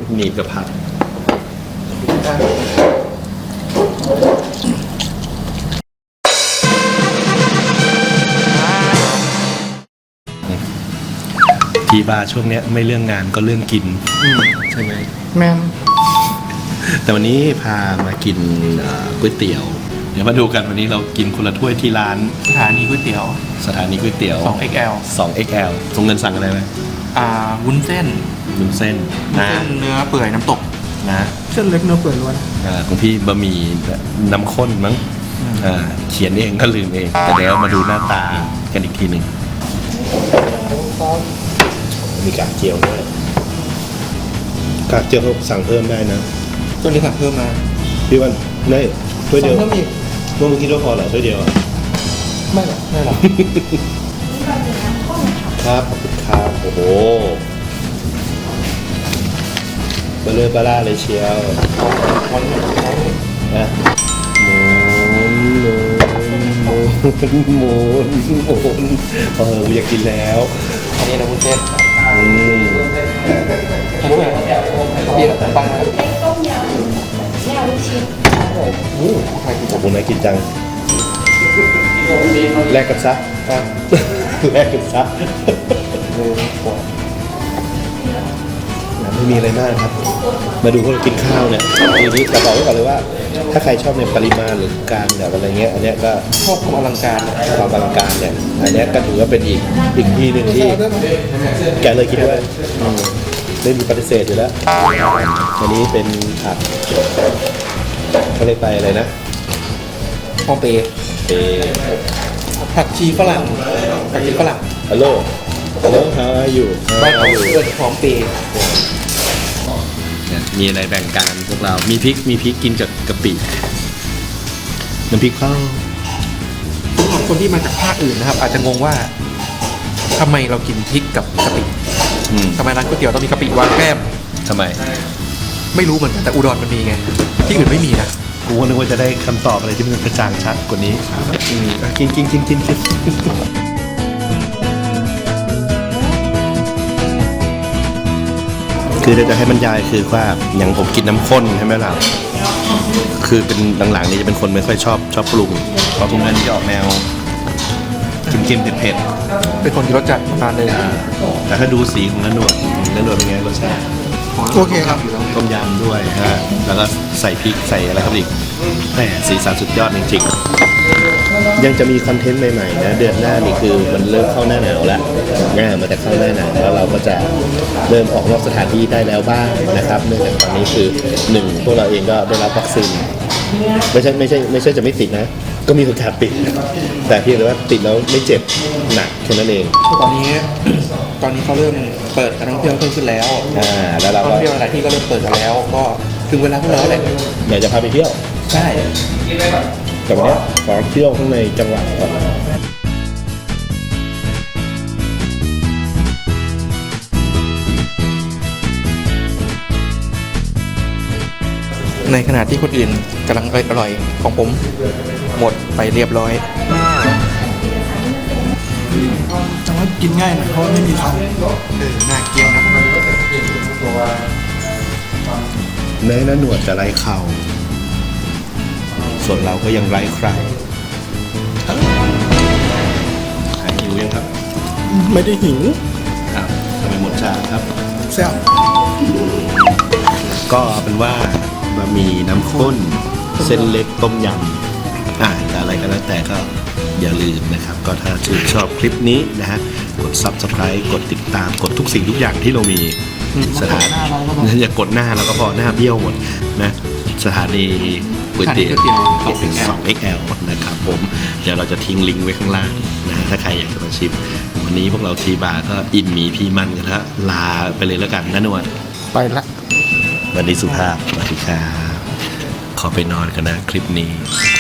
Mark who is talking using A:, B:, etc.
A: หนีบกับผักทีบาร์ช่วงเนี้ยไม่เรื่องงานก็เรื่องกินใช่ไหม
B: แม่
A: แต่วันนี้พามากินก๋วยเตี๋ยวเดี๋ยวมาดูกันวันนี้เรากินคนละถ้วยที่ร้าน
B: สถานีก๋วยเตี๋ยว 2XL
A: 2XL ตรงเงินสั่งอะไรไหม
B: วุ้นเส้น
A: นะ
B: เนื้อเปื่อยน้ำตก
A: นะ
B: เส้นเล็กเนื้อเปื่อยล้วน
A: ของพี่บะหมี่น้ำข้นมั้งเขียนเองก็ลืมเองแต่เดี๋ยวมาดูหน้าตากันอีกทีหนึ่งมีกากเจียวด้วยกากเจียวสั่งเพิ่มได้นะ
B: ตัวนี้สั่งเพิ่มมา
A: พี่วันได้ถ้วยเดียว
B: เพิ่มอีก
A: เมื่อกี้เราพอเหรอถ้วยเดียว
B: ไม่หรอก
A: ครับครับโอ้โหเบลอล่าเลยเชียวนะหมุนอยากกินแล้ว
B: อันนี้เราวุ้นเส้นทำไมเบียร์ปังต้มยำแม่ลูกชิ้น
A: โอ้โหน่ากินจังแลกกันซะไม่มีอะไรมากครับมาดูพวกเรากินข้าวเนี่ยทีนี้จะบอกไว้ก่อนเลยว่าถ้าใครชอบในปริมาณหรือการแบบอะไรเงี้ยอันเนี้ยก็
B: ชอบความอลังการ
A: เนี่ยอันเนี้ยก็ถือว่าเป็นอีกที่หนึ่งที่แกเลยคิดว่าไม่มีปฏิเสธอยู่แล้วอันนี้เป็นผักเขาเรียกไปอะไรนะ
B: ฮองเปผักชีฝรั่ง
A: ฮัลโหลhow are you
B: บ้านเราเปิดฮองเป
A: มีอะไรแบ่งกันพวกเรามีพริกกินกับกะปิน้ำพริกข้าว
B: สำหรับคนที่มาจากภาคอื่นนะครับอาจจะงงว่าทำไมเรากินพริกกับกะปิทำไมร้านก๋วยเตี๋ยวต้องมีกะปิวางแก้ม
A: ทำไม
B: ไม่รู้เหมือนกันแต่อุดรมันมีไงที่อื่นไม่มีนะ
A: กูนึกว่าจะได้คำตอบอะไรที่มันกระจ่างชัดกว่านี้กินคือจะให้บรรยายคือว่าอย่างผมกินน้ำข้นใช่ไหมล่ะคือเป็นหลังๆนี้จะเป็นคนไม่ค่อยชอบปรุงเพราะพวกนั้นจะออกแนวเค็มๆเผ็ด
B: ๆเป็นคนที่รสจัดประมาณนึง
A: แต่ถ้าดูสีของเนื้อหนวดเป็นไงรสชาติ
B: โอเคครับ
A: ต้มยำด้วยฮะแล้วก็ใส่พริกใส่อะไรครับอีกแหมสีสันสุดยอดจริงๆยังจะมีคอนเทนต์ใหม่ๆนะเดือนหน้านี่คือมันเริ่มเข้าหน้าหนาวแล้วมันจะเข้าหน้าหนาวแล้วเราก็จะเริ่มออกนอกสถานที่ได้แล้วบ้างนะครับเนื่องจากตอนนี้คือ1พวกเราเองก็ได้รับวัคซีนไม่ใช่จะไม่ติดนะก็มีโอกาสติดแต่เพียงแต่ว่าติดแล้วไม่เจ็บหนักแค่นั้นเอง
B: ตอนนี้เขาเริ่มเปิดการท่องเที่ยวขึ้นแล้ว
A: แล้วเรา
B: ท่องเที่ยวหลายที่ก็เริ่มเปิดกันแล้วก็ถึงเวลาพวกเราแหละ
A: อยากจะพาไปเที่ยว
B: ใช่
A: แต่วันนี้ขอเที่ยวข้างในจังหวัดก่อน
B: ในขณะที่คนอื่นกำลังอร่อยของผมหมดไปเรียบร้อย
C: แต่ว่ากินง่ายหน่อยเพราะไม่มีเขา
B: น่าเกลียดนะ
A: แม้หนวดจะไร้เข่าส่วนเราก็ยังไร้ใครหายหิวยังครับ
C: ไม่ได้หิว
A: ครับทำไมหมดจานครับ
C: แซ่บ
A: ก็เป็นว่าบะหมี่น้ำข้นเส้นเล็กต้มยำแต่อะไรก็แล้วแต่ก็อย่าลืมนะครับก็ถ้าชื่นชอบคลิปนี้นะฮะกด Subscribe กดติดตามกดทุกสิ่งทุกอย่างที่เรามีสถานอย่ากดหน้าเราก็พอหน้าเบี้ยวหมดนะสถานีก๋วยเตี๋ยว 2XL นะครับผมเดี๋ยวเราจะทิ้งลิงก์ไว้ข้างล่างนะถ้าใครอยากจะมาชิมวันนี้พวกเราทีบาร์ก็อินหมีพีมันกันแล้วลาไปเลยแล้วกันนะนวล
B: ไปละ
A: วันนี้สุภาพสวัสดีครับขอไปนอนกันนะคลิปนี้